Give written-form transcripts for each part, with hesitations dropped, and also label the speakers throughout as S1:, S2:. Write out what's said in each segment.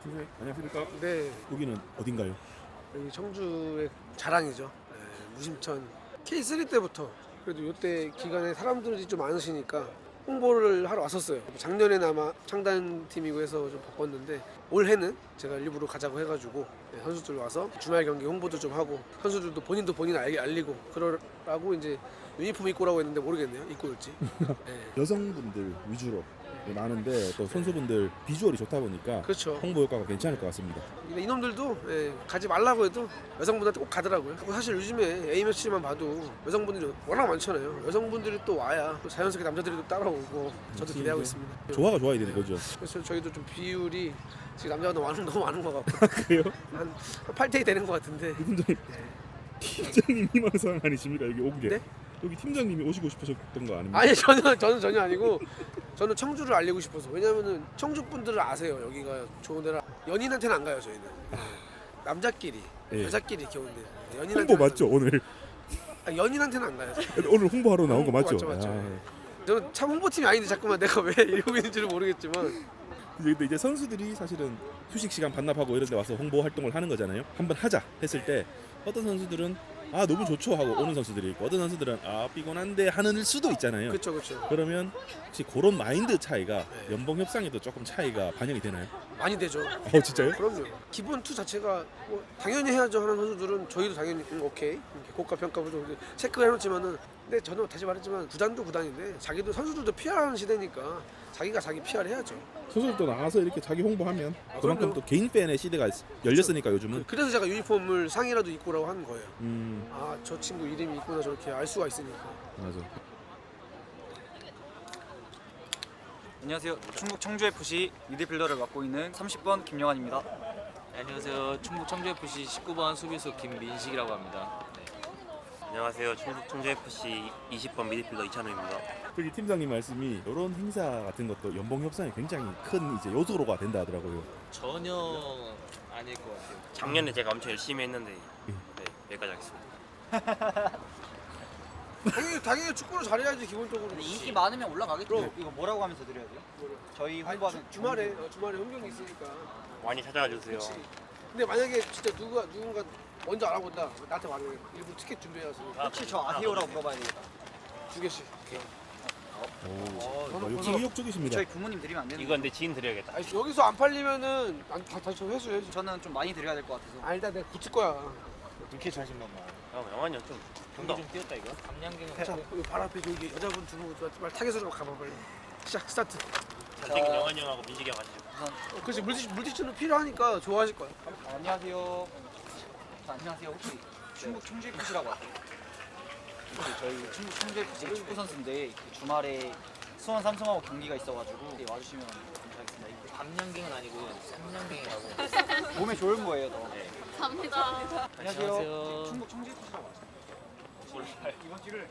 S1: 선생님 안녕하십니까?
S2: 네,
S1: 여기는 어딘가요?
S2: 여기 청주의 자랑이죠. 네, 무심천 K3 때부터 그래도 이때 기간에 사람들이 좀 많으시니까 홍보를 하러 왔었어요. 작년에는 아마 창단팀이고 해서 좀 바빴는데 올해는 제가 일부러 가자고 해가지고 네, 선수들 와서 주말 경기 홍보도 좀 하고 선수들도 본인도 본인 알리고 그러라고 이제 유니폼 입고 오라고 했는데 모르겠네요. 입고 올지. 네.
S1: 여성분들 위주로 많은데 또 선수분들 비주얼이 좋다 보니까
S2: 그렇죠.
S1: 홍보 효과가 괜찮을 것 같습니다.
S2: 근데 이놈들도 가지 말라고 해도 여성분한테 꼭 가더라고요. 사실 요즘에 A매치만 봐도 여성분들이 워낙 많잖아요. 여성분들이 또 와야 또 자연스럽게 남자들이 또 따라오고 저도 기대하고 있습니다.
S1: 조화가 좋아야 되는 거죠.
S2: 그래서 저희도 좀 비율이 지금 남자가 너무 많은 것 같고
S1: 그래요?
S2: 한 8대2 되는 것 같은데
S1: 팀장님 희망 사항 아니십니까? 여기 온 게.
S2: 네?
S1: 여기 팀장님이 오시고 싶으셨던 거 아닙니까?
S2: 아니 저는 전혀 아니고 저는 청주를 알리고 싶어서. 왜냐면은 청주 분들을 아세요. 여기가 좋은 데라. 연인한테는 안 가요 저희는. 남자끼리
S1: 예.
S2: 여자끼리 이렇게 오는데
S1: 홍보
S2: 연인한테는
S1: 맞죠 오늘?
S2: 연인한테는 안 가요.
S1: 오늘 홍보하러 나온 거 맞죠?
S2: 맞죠.
S1: 아,
S2: 저는 참 홍보팀이 아닌데 자꾸만 내가 왜 이러고 있는지를 모르겠지만
S1: 근데 이제 선수들이 사실은 휴식 시간 반납하고 이런 데 와서 홍보 활동을 하는 거잖아요. 한번 하자 했을 때 어떤 선수들은 아 너무 좋죠 하고 오는 선수들이 있고 어떤 선수들은 아 피곤한데 하는 수도 있잖아요.
S2: 그렇죠.
S1: 그러면 혹시 그런 마인드 차이가 연봉 협상에도 조금 차이가 반영이 되나요?
S2: 많이 되죠.
S1: 진짜요?
S2: 그럼요. 기본 투 자체가 뭐 당연히 해야죠 하는 선수들은 저희도 당연히 오케이 이렇게 고가 평가부터 체크해놓지만은 근데 저는 다시 말했지만 구단도 구단인데 자기도 선수들도 PR하는 시대니까 자기가 자기 PR 해야죠.
S1: 선수들도 나와서 이렇게 자기 홍보하면 그만큼
S2: 그럼요.
S1: 또 개인 팬의 시대가 열렸으니까 요즘은.
S2: 그래서 제가 유니폼을 상이라도 입고 오라고 하는 거예요.
S1: 음
S2: 아 저 친구 이름이 있구나 저렇게 알 수가 있으니까.
S1: 맞아.
S3: 안녕하세요. 충북 청주FC 미드필더를 맡고 있는 30번 김영환입니다.
S4: 안녕하세요. 충북 청주FC 19번 수비수 김민식이라고 합니다.
S5: 안녕하세요. 충북 청주FC 20번 미드필더 이찬우입니다.
S1: 여기 팀장님 말씀이 이런 행사 같은 것도 연봉 협상에 굉장히 큰 이제 요소로가 된다 하더라고요.
S4: 전혀 아닐 것 같아요.
S5: 작년에 제가 엄청 열심히 했는데 네, 여기까지 하겠습니다.
S2: 당연히 축구를 잘해야지 기본적으로.
S3: 인기 많으면 올라가겠죠. 이거 뭐라고 하면서 드려야 돼요? 저희 홍보하는
S2: 주말에 홈경기 있으니까.
S5: 많이 찾아와 주세요.
S2: 그렇지. 근데 만약에 진짜 누군가 먼저 알아본다. 나한테 말해. 일부러 티켓 준비해서
S3: 혹시 저 아세요라고 물어봐야 되겠다.
S2: 2개씩.
S1: 역시 의욕적이십니다.
S3: 저희 부모님 드리면 안 되는
S5: 이건 내 지인 드려야겠다.
S2: 아니 여기서 안 팔리면은 다시 회수해야지.
S3: 저는 좀 많이 드려야 될 것 같아서.
S2: 아 일단 내가 붙일 거야.
S4: 이렇게 자신만만.
S5: 영환이 형 좀
S4: 경기 좀 뛰었다 이거. 감량갱은
S2: 자, 여기 발 앞에 저기 여자분 두분 말 타겟으로 가봐 빨리. 시작 스타트.
S5: 잘생긴 영환이 형하고 민식이 형 같이.
S2: 그렇지 물티슈는 필요하니까 좋아하실 거야.
S3: 안녕하세요. 자, 안녕하세요. 혹시 충북 청주FC라고 아세요? 저희 충북 청주FC 축구 선수인데 주말에 수원 삼성하고 경기가 있어가지고 와주시면 감사하겠습니다. 이거
S4: 감량갱은 아니고 삼량갱이라고.
S3: 몸에 좋은 거예요, 더.
S6: 감사합니다.
S3: 안녕하세요.
S4: 안녕하세요.
S3: 충북 청주FC라고 아세요? 이번 주를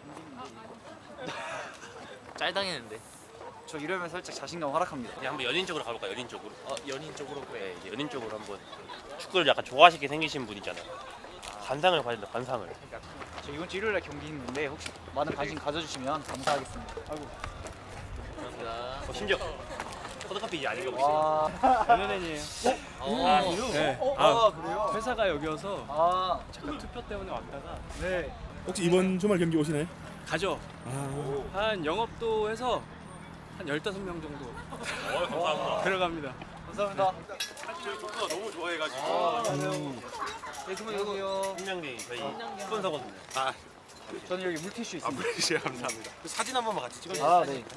S4: 짤당했는데.
S3: 저 이러면 살짝 자신감 하락합니다.
S5: 그냥 한번 연인 쪽으로 가볼까? 연인 쪽으로.
S4: 연인 쪽으로
S5: 네, 이제 연인 쪽으로 한번 축구를 약간 좋아하시게 생기신 분 있잖아요. 관상을 봐야 된다. 관상을.
S3: 저 이번 주 일요일에 경기 있는데 혹시 많은 관심 가져주시면 감사하겠습니다. 아이고.
S4: 감사합니다.
S5: 심지어 포도커피 이제 아닌가 보지.
S3: 와.
S7: 연예인이에요. 네.
S3: 그래요?
S7: 회사가 여기여서
S3: 아,
S7: 잠깐 투표 때문에 왔다가
S3: 네.
S1: 혹시 이번 주말 경기 오시나요?
S7: 가죠.
S1: 아
S7: 한 영업도 해서 한 15명 정도
S5: 감사합니다.
S7: 들어갑니다.
S3: 감사합니다.
S5: 저희 축구가 너무 좋아해가지고.
S3: 네, 주문해주세요.
S5: 한명갱이 저희 스폰서거든요.
S3: 저는 여기 물티슈 있습니다.
S5: 감사합니다. 그 사진 한 번만 같이 찍어주세요.
S3: 아, 네.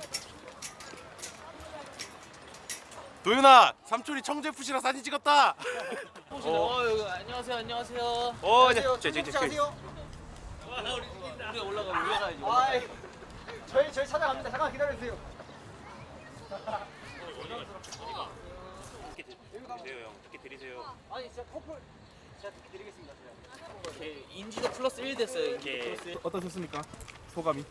S5: 도윤아, 삼촌이 청주FC랑 사진 찍었다.
S4: 안녕하세요. 안녕하세요.
S3: 안녕하세요. 청주FC 아세요?
S4: 우리 올라가야지.
S3: 아이, 저희 찾아갑니다. 잠깐 기다려주세요.
S5: 티켓 드리세요, 형. 티켓 드리세요.
S3: 아니, 진짜 커플 제가 듣게 드리겠습니다.
S4: 인지도 플러스 1 됐어요.
S5: 이렇게
S1: 어떠셨습니까? 소감이?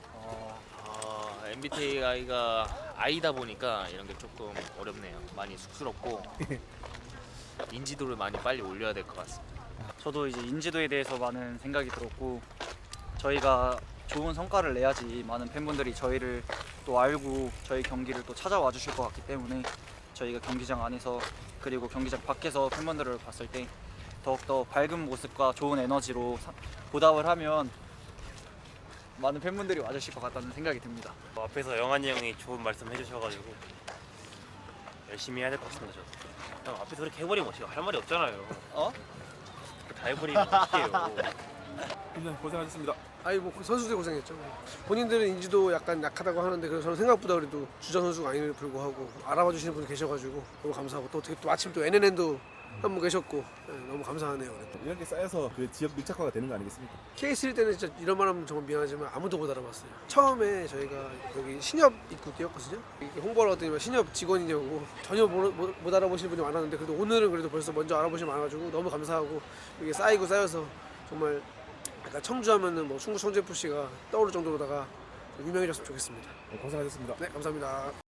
S4: MBTI가 I다 보니까 이런 게 조금 어렵네요. 많이 쑥스럽고 인지도를 많이 빨리 올려야 될 것 같습니다.
S3: 저도 이제 인지도에 대해서 많은 생각이 들었고 저희가 좋은 성과를 내야지 많은 팬분들이 저희를 또 알고 저희 경기를 또 찾아와 주실 것 같기 때문에 저희가 경기장 안에서 그리고 경기장 밖에서 팬분들을 봤을 때 더욱더 밝은 모습과 좋은 에너지로 보답을 하면 많은 팬분들이 와주실 것 같다는 생각이 듭니다.
S5: 앞에서 영환이 형이 좋은 말씀 해주셔가지고 열심히 해야 될 것 같습니다. 저. 형 앞에서 그렇게 해버리면 어떡해요? 할 말이 없잖아요.
S3: 어?
S5: 다 해버리면 어떡해요?
S1: 1년 고생하셨습니다.
S2: 아니 뭐 선수들 고생했죠. 본인들은 인지도 약간 약하다고 하는데 그래서 저는 생각보다 그래도 주전 선수가 아님에도 불구하고 알아봐 주시는 분이 계셔가지고 너무 감사하고 또 어떻게 또 마침 또 NNN도 한 분 계셨고 너무 감사하네요. 그래도.
S1: 이렇게 쌓여서 그 지역 밀착화가 되는 거 아니겠습니까?
S2: K3 때는 진짜 이런 말 하면 정말 미안하지만 아무도 못 알아봤어요. 처음에 저희가 여기 신협 입구 뛰었거든요. 이렇게 홍보를 하더니 신협 직원이냐고 전혀 못 알아보시는 분이 많았는데 그래도 오늘은 그래도 벌써 먼저 알아보시면 많아가지고 너무 감사하고 이게 쌓이고 쌓여서 정말 약간 청주하면은 뭐 충북 청주FC가 떠오를 정도로다가 유명해졌으면 좋겠습니다.
S1: 고생하셨습니다.
S2: 네, 감사합니다.